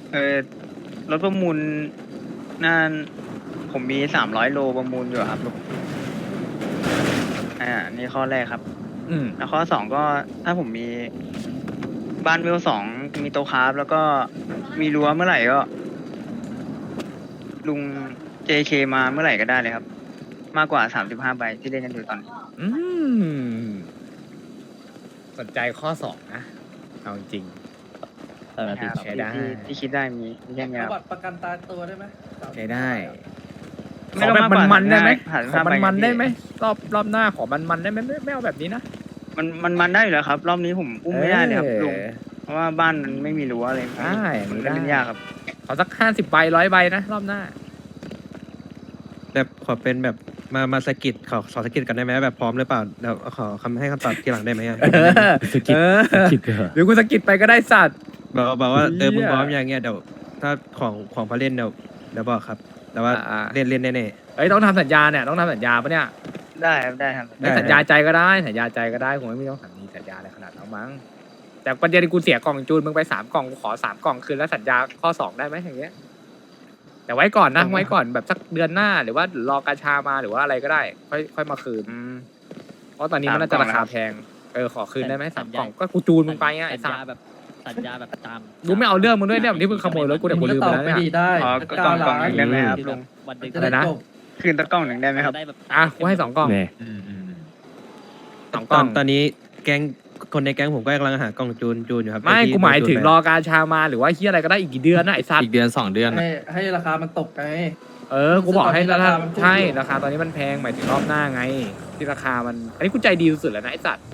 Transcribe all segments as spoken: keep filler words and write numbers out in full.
เออรถประมูลน่าผมมีสามร้อยโลประมูลอยู่ครับลุงอ่านี่ข้อแรกครับอืมแล้วข้อสองก็ถ้าผมมีบ้านเวลสองมีโตะคราฟแล้วก็มีรั้วเมื่อไหร่ก็ ลุง เจ เค มาเมื่อไหร่ก็ได้เลยครับ มากกว่าสามสิบห้าใบที่เล่นกันอยู่ตอนนี้อืมสนใจข้อสองนะเอาจริงตอนนั้นนะครับใช้ได้ที่ที่คิดได้มีมีแค่นี้คเอารับบัตรประกันตายตัวได้ไหมใช้ได้ขไม่อต้องแบบมากกว่ามันๆได้ไหมสามสิบขอห้าใบมันๆไงพี่ได้ไหมรอบรอบหน้าขอมันๆได้ไหมไม่ไม่เอาแบบนี้นะมันมันมันได้อยู่แล้วครับ รอบนี้ผมอุ้มไม่ได้เลยครับออลุงเพราะว่าบ้านมันไม่มีรั้วอะไรได้มันได้เล่นยากครับขอสักห้าสิบใบร้อยใบนะรอบหน้าแบบขอเป็นแบบมามาสะกิดขอขอสะกิดกันได้ไหมแบบพร้อมหรือเปล่าเดี๋ยวขอคำให้คำตอบทีหลังได้ไหมอะสกิดสกิดหรือกูสกิดไปก็ได้สัตว์บอกบอกว่าเออเหี้ยมึงพร้อมอย่างเงี้ยเดี๋ยวถ้าของของพอเล่นเดี๋ยวเดี๋ยวบอกครับ แต่ว่าอ่าเล่นเล่นแน่เอ้ยต้องทำสัญญาเนี่ยต้องทำสัญญาปะเนี่ยได้ครับได้ครับได้สัญญาใจก็ได้สัญญาใจก็ได้คงไม่ต้องมีสัญญาอะไรขนาดนั้นมั้งแต่ประเด็นกูเสียกล่องจูนมึงไปสามกล่องกูขอสามกล่องคืนแล้วสัญญาข้อสองได้ไหมอย่างเงี้ยแต่ไว้ก่อนนะไว้ก่อนแบบสักเดือนหน้าหรือว่ารอกาชามาหรือว่าอะไรก็ได้ ค่อยค่อยมาคืนอืมเพราะตอนนี้มันน่าจะสามกล่องราคานะครับแพงเออขอคืนได้ไหมสามสัญญากล่องก็กูจูนมึงไปอ่ะไอ้สัสัญสญาแบบสัญญาแบบตามกูไม่เอาเรื่องมึงด้วยเนี่ยที่มึงขโมยรถกูเนี่ยกูลืมตไปอบแล้วไปเนี่ยดีได้อ๋อสัก็เก้ากล่องกล่องล้านหนึ่งได้ไหมครับลุงวันหนึ่งจะอะไรได้นะจบคืนตะกล่องหนึ่งได้ไหมครับได้แบบอ่ะกูให้สองกล่อง สองๆกตล่ออน งตอนนี้แก๊งคนในแก๊งผมก็กำลังหากล่องจูนจูนอยู่ครับไม่ที่กูหมายถึงจูนไปรอกาชามาหรือว่าเฮียอะไรก็ได้อีกกี่เดือนนะไอ้สัสอีกเดือนสองเดือนให้ให้ราคามันตกไงเออ กูบอกให้ตอนนี้ราคาราคามันพุ่งใช่อยู่ราคาตอนนี้มันแพงหมายถึงรอบหน้าไง ที่ราคามัน อันนี้กูใจดีสุดๆแล้วนะไอ้สัตว์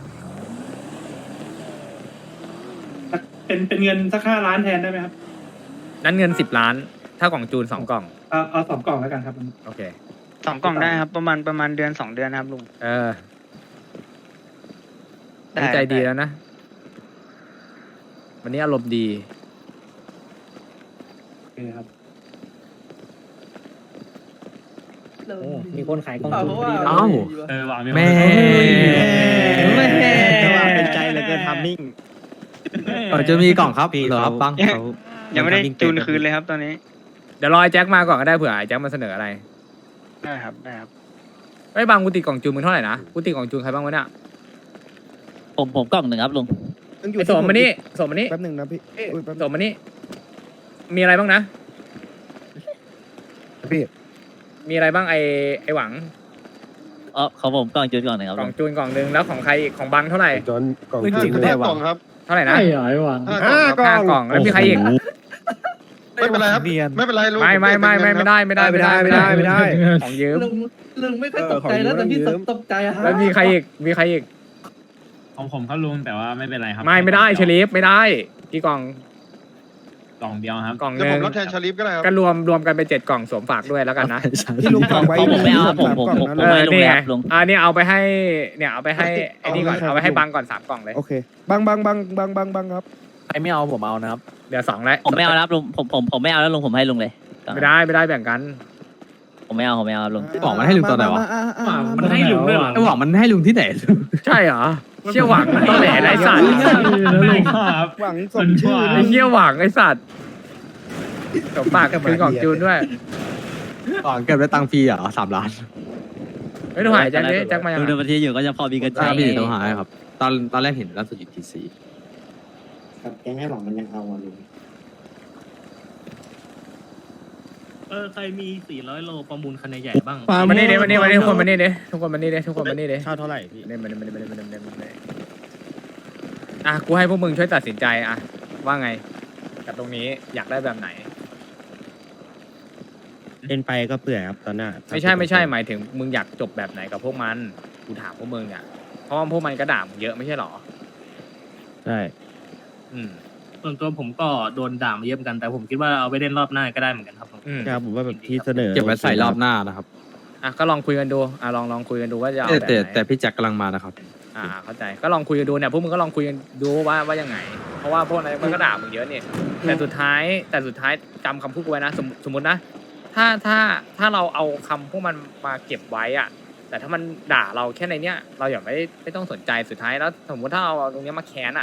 เป็นเป็นเงินสักห้าล้านแทนได้ไหมครับนั้นเงินสิบล้าน ถ้ากล่องจูนสองกล่องเอาเอาสองกล่องแล้วกันครับโอเคสองกล่องได้ครับ ประมาณประมาณเดือนสองเดือนนะครับลุงเออได้นี่ใจดีได้แล้วนะ วันนี้อารมณ์ดีโอเคครับมีคนขายกล่องจูนพอดีเอ้าเออวางแม่แม่เป็นใจเหลยเกินทำมิ่งเออจะมีกล่องครับพี่เหรอคเขารับบังเขายังไม่ได้ทำมิ่งจูนเป็คืนเลยครับตอนนี้เดี๋ยวรอไอ้แจ็คมาก่อนก็ได้เผื่อไอ้แจ็คมาเสนออะไรได้ครับได้ครับไอ้ยบางกูติดกล่องจูนมึงเท่าไหร่นะ กูติดกล่องจูนใครบ้างวะเนี่ยผมผมกล่องหนึ่งครับลุงไอ้สมมานี่สมมานี่แป๊บหนึ่งนะพี่อุ้ยแป๊บสมมานี่ มีอะไรบ้างนะพี่มีอะไรบ้างไอ้ไอ้หวังเออของผมกล่องจุดกล่องหนึ่งครับกล่ลุองงจูนกล่องหนึ่งแล้วของใครอีกของบังเท่าไหร่จอนกล่องจริงจูนๆได้หวังเท่าไหร่นะห้ากล่ห้าองกล่องแล้วมีใครอีกไม่เป็นไรครับไม่เป็นไรลุงไม่ไม่ไม่ไม่ไม่ได้ไม่ได้ไม่ได้ไม่ได้ไม่ได้ของยืมลุงลุงไม่ค่อยตกใจนะแต่พี่ตกใจอะฮะแล้วมีใครอีกมีใครอีกของผมเขาลุงแต่ว่าไม่เป็นไรครับไม่ไม่ได้เชลีฟไม่ได้กี่กล่องกล่องเดียวครับกล่องหเดี๋ยวนึ่ผมงรับแทนชาลิฟก็ได้ครับก็รวมรวมกันเป็นเจ็ดกล่องสวมฝากด้วยแล้วกันนะพี่ลุงฝากไว้ของผมไม่เอาครับผมผมผมผเอมอให้ลุงนี่เลยไงครับลุงอ่านี่เอาไปให้เนี่ยเอาไปให้ไอ้นี่ก่อนเอาเอาไปไปให้ให้บังก่อนสามกล่องเลยโอเคบังบังบังบังบังบังครับใครไม่เอาผมเอานะครับเดี๋ยวสองแล้วผมไม่เอาแล้วครับลุงผมผมผมไม่เอาแล้วลุงผมให้ลุงเลยไม่ได้ไม่ได้แบ่งกันผมไม่เอาผมไม่เอาครับลุงบอกมันให้ลุงตอนไหนวะมามามามามันให้ลุงด้วยเหรอไอ้หวังมันให้ลุงที่ไหนใช่เหรอเชี่ยหวังต้องแหล่ไรสัตว์ไม่ครับหวังสมชื่อไอ้เชี่ยหวังไอ้สัตว์สวมฝากคือกล่องจูนด้วยหวังเก็บได้ตังค์ฟรีเหรอสามล้านไม่ต้องหายแจ็คดิแจ็คมายังดูอะในบัญชีอยู่ก็จะพอมีเงินใช่ใช้พี่ต้องหาให้ครับ ตอนตอนแรกเห็นล่าสุดอยู่ทีซีครับแกงให้หวังมันยังเอาอ่ะลุงเออใครมีสี่ร้อยโลประมูลคันใหญ่บ้างมานี่เด้มานี่มานี่ทุกคนมานี่เด้ทุกคนมานี่เด้ทุกคนมานี่เด้เช่าเท่าไหร่พี่เนี่ยมาเนี่ยมาเนี่ยมาเนี่ยมาเนี่ยมาเนี่ยอ่ะกูให้พวกมึงช่วยตัดสินใจอ่ะว่าไงกับตรงนี้อยากได้แบบไหนเล่นไปก็เปื่อยครับตอนหน้าไม่ใช่ไม่ใช่หมายถึงมึงอยากจบแบบไหนกับพวกมันกูถามพวกมึงอ่ะเพราะว่าพวกมันก็ด่ามึงเยอะไม่ใช่หรอใช่อืมส่วนตัวผมก็โดนด่ามาเยอะเหมือนกันแต่ผมคิดว่าเอาไปเล่นรอบหน้าก็ได้เหมือนกันครับผมอืมครับผมว่าแบบที่เสนอเก็บไว้ใส่รอบหน้านะครับอ่ะก็ลองคุยกันดูอ่ะลองลองคุยกันดูว่าจะเอาแต่แบบแต่ไหนแต่พี่แจ็คกำลังมานะครับอ่าเข้าใจก็ลองคุยกันดูเนี่ยพวกมึงก็ลองคุยกันดูว่าว่ายังไง เพราะว่าพวกนั้นมันก็ด่ามึงเยอะเนี่ยแต่สุดท้ายแต่สุดท้ายจำคำพูดกูไว้นะสมสมมตินะถ้าถ้าถ้าเราเอาคำพวกมันมาเก็บไว้อะแต่ถ้ามันด่าเราแค่ในเนี้ยเราอย่าไม่ไม่ต้องสนใจสุดท้ายแล้ว สมมติถ้าเอาตรงเนี้ยมาแค้นอะ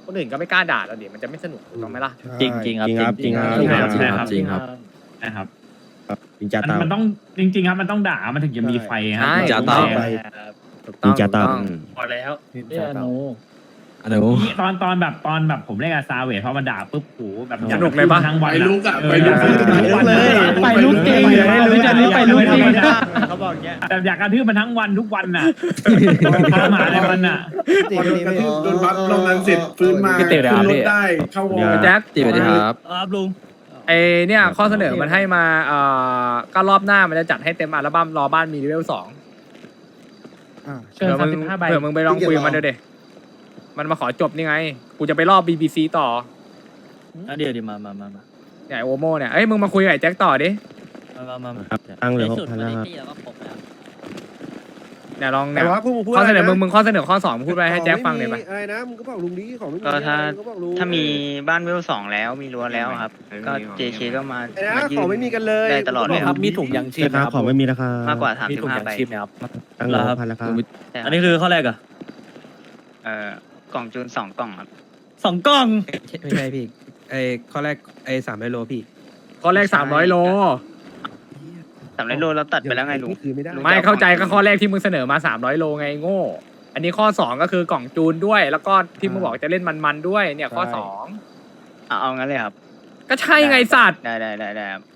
คนอื่นก็ไม่กล้าด่าเราดิมันจะไม่สนุกถูกต้องไหมล่ะจริงจริงครับจริงจริงครับใช่ครับจริงครับใช่ครับจริงจ้ามันตามันต้องจริง ๆ ครับมันต้องด่ามันถึงจะมีไฟครัใช่จะต้องถูกต้องจริงจ้าตาถูกต้องพอแล้วใช่ครับอันนี้นี่ตอนตอนแบบตอนแบบผมเล่นกับซาเวทพอมันด่าปุ๊บโหแบบสนุกเลยปะทั้งวันไปลุกอะเไปลุกทั้งวันเลยไปลุกจริงไปลุกจริงไปลุกจริงเขาบอกเงี้ยแต่อยากกระทืบมันทั้งวันทุกวันน่ะทรมานเลยมันน่ะพอโดนกระทืบโดนบัฟลงนั้นเสร็จฟื้นมาพี่เต๋อเดี๋ยวขึ้นรพี่ถได้เข้าวอลแจ็คจีบไปดีครับครับลุงไอเนี่ยข้อเสนอมันให้มาเอ่อก็รอบหน้ามันจะจัดให้เต็มอัลบั้มรอบ้านมีเลเวลสองเชิญเผื่อมึงสามสิบห้าใบเผื่อมึงไปลองคุยกับมันเดี๋ยวเดมันมาขอจบนี่ไง กูจะไปรอบ บี บี ซี ต่ออ่ะเดี๋ยวเดี๋ยวมามามามาเนี่ยไอ้โอโมเนี่ยเอ้ยมึงมาคุยกับไอ้แจ็คต่อดิมามามามาตั้งเลยในหกสุดพันมานะในครับตี้แล้วก็ครบแล้วเนี่ยลองแต่เนี่ยว่าพวกมึงพูดข้อเสนออะไรนะมึงมึงข้อเสนอข้อสองมึงพูดไปให้แจ็คฟังเลยปะอะไรนะมึงก็บอกลุงดีของไม่มีก็ถ้ามึงก็บอกลุงถ้ามีบ้านเวลสองแล้วมีรั้วแล้วครับ ก็ เจ เค ก็มาไอ้นะมายื่ของไม่มีกันเลยได้ตลอดเลยครับมีถุงยังชีพครับของไม่มีราคามากกว่าสามสิบห้าใบตั้งเลยหกพันแล้วครับใช่คอัรับนนี้คือข้อแรกเหรอะเอ่อกล่องจูนสองกล่องครับสองกล้องไม่ใช่พี่ไอข้อแรกไอสามร้อยโลพี่ข้อแรกสามร้อยโลสามร้อยโลเราตัดไปแล้วไงลุงนี่คือไม่ได้ไม่เข้าใจก็ข้อแรกที่มึงเสนอมาสามร้อยโลไงโง่ อันนี้ข้อสองก็คือกล่องจูนด้วย แล้วก็ที่มึงบอกจะเล่นมันๆด้วยเนี่ยข้อสองเอาเอางั้นเลยครับก็ใช่ไงสัตว์ได้ได้ได้ได้ครับ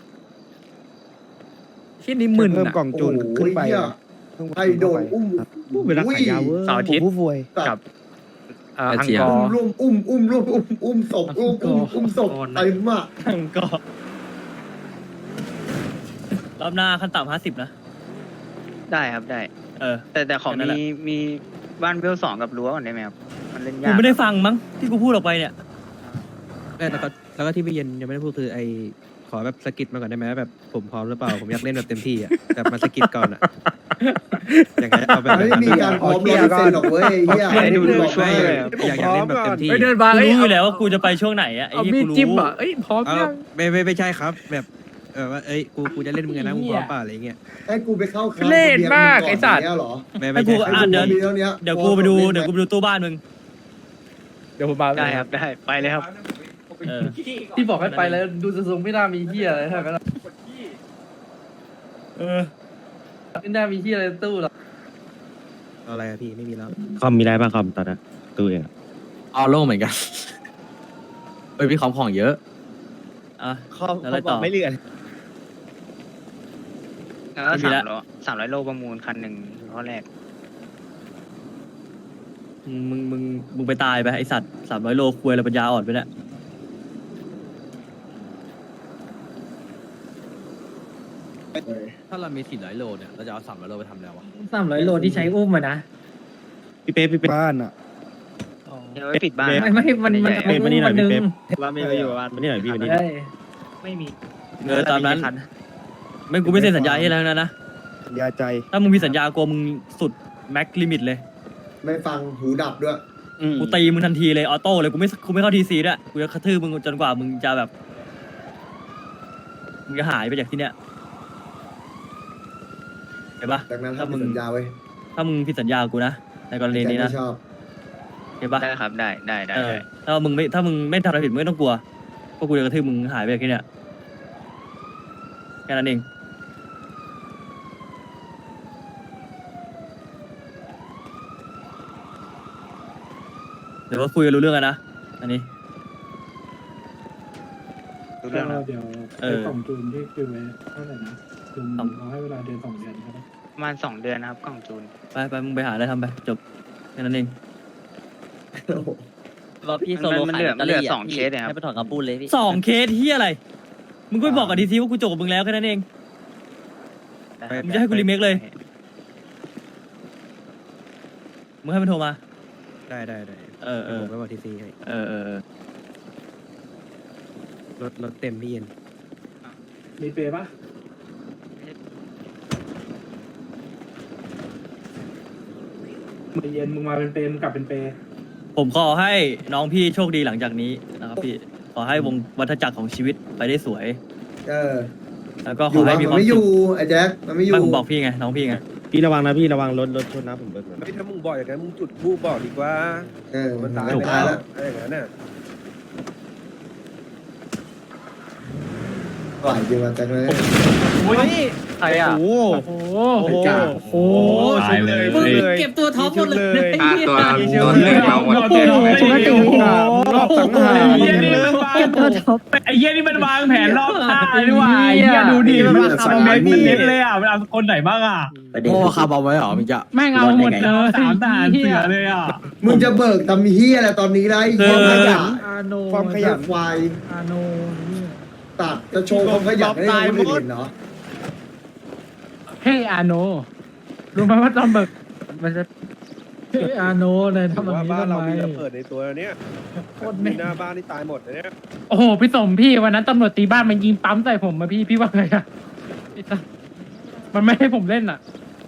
ที่นี่มึนเพิ่มอะกล่องจูนขึ้นไปไอโดนอุ้มพูดเวลาขายยาวเวอร์เสาร์อาทิตย์ผู้ป่วยกับเอ่อแออัดงเจียกออุ้มร์ร่วมอุ้มอุ้มร่วมอุ้มอุ้มศพอุ้มอุ้มอุ้มศพเต็มอ่ะก็รอบหน้าขั้นต่ำห้าสิบนะได้ครับได้เออแต่แต่ขอแค่นั้นแหมีละมีบ้านเวลสองกับรั้วก่อนได้ไหมครับ มันเล่นกูยากไม่ได้ฟังมั้งที่กูพูดออกไปเนี่ยแล้วก็แล้วก็ที่พี่เย็นยังไม่ได้พูดคือไอขอแบบสกิดมาก่อนได้ไหมแบบผมพร้อมหรือเปล่าผมอยากเล่นแบบเต็มที่อ่ะแบบมาสกิดก่อนอ่ะอย่างไรเอาแบบไม่มีการพร้อมร้อยเปอร์เซ็นต์หรอกเว้ยเฮียให้ดูดูบอกช่วยให้เลยอยากอยากเล่นแบบเต็มที่เฮ้ยเดินมากูเอ้ยรู้อเอายู่แล้วว่ากูจะไปช่วงไหนอะไอ้เอาที่มีดกูรู้จิ้มอ่ะเอ้ยพร้อมเอายังไม่ไม่ไม่ใช่ครับ แบบเออว่าเอ้ยกูกูจะเล่นมึงไงนะมึงพร้อมเปล่าอะไรเงี้ยให้กูไปเข้าค่ายเล่นมากไอ้สัตว์เนี้ยเหรอไม่ให้ไม่กูใช่ครับอ่ะเดี๋ยวมีเท่านี้เดี๋ยวกูไปดูเดี๋ยวกูไปดูตู้บ้านมึงเดี๋ยวผมมาได้ครับได้ไปเลยครับเออที่บอกให้ไปแล้วดูจะทรงไม่น่ามีเฮียอะไรเท่านั้นเออไม่น่ามีเฮียอะไรในตู้หรอกเอาอะไรอะพี่ไม่มีแล้วคอมมีได้ป่ะคอมตอนนั้นตู้เองเอาโล่เหมือนกันเอ้ยพี่ของของเยอะอ่ะคอมแล้วอะไรต่อไม่เลื่อนแล้วก็ไม่มีสามละร้อยสามร้อยโลประมูลคันหนึ่งข้อแรกมึงมึงมึงมึงไปตายไปไอสัตว์สามร้อยโลควยอะไรปัญญาอ่อนไปเนี่ยถ้าเรามีสี่ร้อยโลเนี่ยเราจะเอาสามร้อยโลไปทำแล้ววะสามร้อยโลที่ใช้อุ้มอะนะพี่เป๊ปพี่เป๊ปบ้านอ่ะเดี๋ยวไว้ปิดบ้านไม่ไม่มันมันเป๊ปมานี่หน่อยพี่เป๊ปว่าไม่อยู่บ้านมานี่หน่อยพี่มานี่เอ้ยไม่มีเออตามนั้นไม่กูไม่เซ็นสัญญาให้แล้วนะนะสัญญาใจถ้ามึงมีสัญญากูมึงสุดแม็กลิมิตเลยไม่ฟังหูดับด้วยกูตีมึงทันทีเลยออโต้เลยกูไม่กูไม่เข้าทีซีด้วยกูจะกระทืบมึงจนกว่ามึงจะแบบมึงจะหายไปจากที่เนี้ยเห็นปะจากนั้นถ้าทำมึงสัญญาไว้ถ้ามึงผิดสัญญากูนะในกรณีแจ็คนี้นะไม่ชอบเห็นปะได้ครับได้ได้ได้เออได้ถ้ามึงไม่ถ้ามึงไม่ทำอะไรผิดมึงไม่ต้องกลัวเพราะกูจะกระทืบมึงหายไปจากที่เนี้ยแค่นั้นเองเดี๋ยวว่าคุยกันรู้เรื่องกันนะอันนี้รู้เรื่องแล้วเดี๋ยวเออไอ้กล่องจูนที่คือไว้เท่าไหร่นะจูนสองเราให้เวลาเดือนสองเดือนใช่ไหมประมาณสองเดือนนะครับกล่องจูนไปไปมึงไปหาอะไรทำไปจบแค่นั้นเองรอพี่โซโลมันเหลือมันเหลือสองเคสเนี่ยครับให้ไปถอนคำพูดเลยพี่สองเคสที่อะไร มึงก็ไปบอกกับทีซีว่ากูจบกับมึงแล้วแค่นั้นเองได้ครับมึงจะให้กูรีเมคเลย มึงให้มันโทรมาได้ได้ได้เออเออผมไปบอกทีซีให้เออเออเออรถรถเต็มพี่เย็นมีเปย์ปะมึงเย็นมึงมาเป็นเปย์มึงกลับเป็นเปย์ผมขอให้น้องพี่โชคดีหลังจากนี้นะครับพี่ ขอให้วงวัฏจักรของชีวิตไปได้สวยเออแล้วก็อขอยู่ ให้บ้างมีมัคน วามไม่อสุยู่ขไอ้แจ็คมันไม่อยู่ไม่ผมบอกพี่ไงน้องพี่ไงพี่ระวังนะพี่ระวังรถรถชนนะผมเบิกหน่อยไม่ถ้ามึงบอกอย่างนั้นมึงจุดบูบอกดีกว่าเออมันตายจบไปตายแล้แล้ว วอะไรอย่างนั้นน่ะไหวจริงวันจันทร์เลยใครอ่ะโอ้โอ้โหโหตายเลยมึงเลยเก็บตัวท็อปหมดเลยค่าตัวโดนเรื่องเราหมดโอ้โหรอบสังหารเหี้ยนี่มันวางไอ้เหี้ยนี่มันวางแผนรอบฆ่าด้วยว่ะไอ้เหี้ยดูดิมันวางคาร์บอมมันเน็ตเลยอ่ะมันเอาคนไหนบ้างอ่ะโอ้คาร์บอมไว้เหรอมึงจะแม่งเอาหมดเลยสามทหารเสือเลยอ่ะมึงจะเบิกตำเฮียอะไรตอนนี้ได้ความขยันอาโนความขยันควายอาโนตัดจะโชว์ความขยันให้คนอื่นเห็นเนาะเฮ้ยอาโนรู้ไหมว่าตอนเบิกมันจะเฮ้ยอาโนเลยถือทำแบบว่านี้บ้านทำเราไมมีระเบิดในตัวเนี้ยโคตรมีแม่หน้าบ้านที่ตายหมดเลยเนี่ยโอ้โหพี่สมพี่วันนั้นตำรวจตีบ้านมันยิงปั๊มใส่ผมมาพี่พี่ว่าไงอะไอ้สัสมันไม่ให้ผมเล่นอ่ะ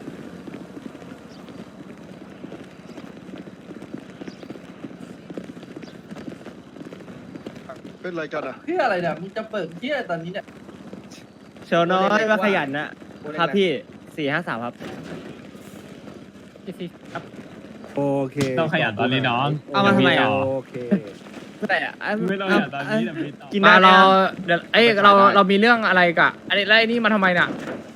เป็นไรกันอ่ะเพื่ออะไรเนี่ยมึงจะเปิดเที่ยตอนนี้เนี่ยเชลน้อยว่าขยันนะครับพี่สี่ห้าสามครับครับโอเคต้องขยันตอนนี้น้องเอามาทำไมอ่ะโอเคแต่อะไม่ต้องขยันตอนนี้แต่มีต่อกินมาเราเดี๋ยวเอ้ยเราเรามีเรื่องอะไรกะอันนี้แล้วไอ้นี่มาทำไมเนี่ย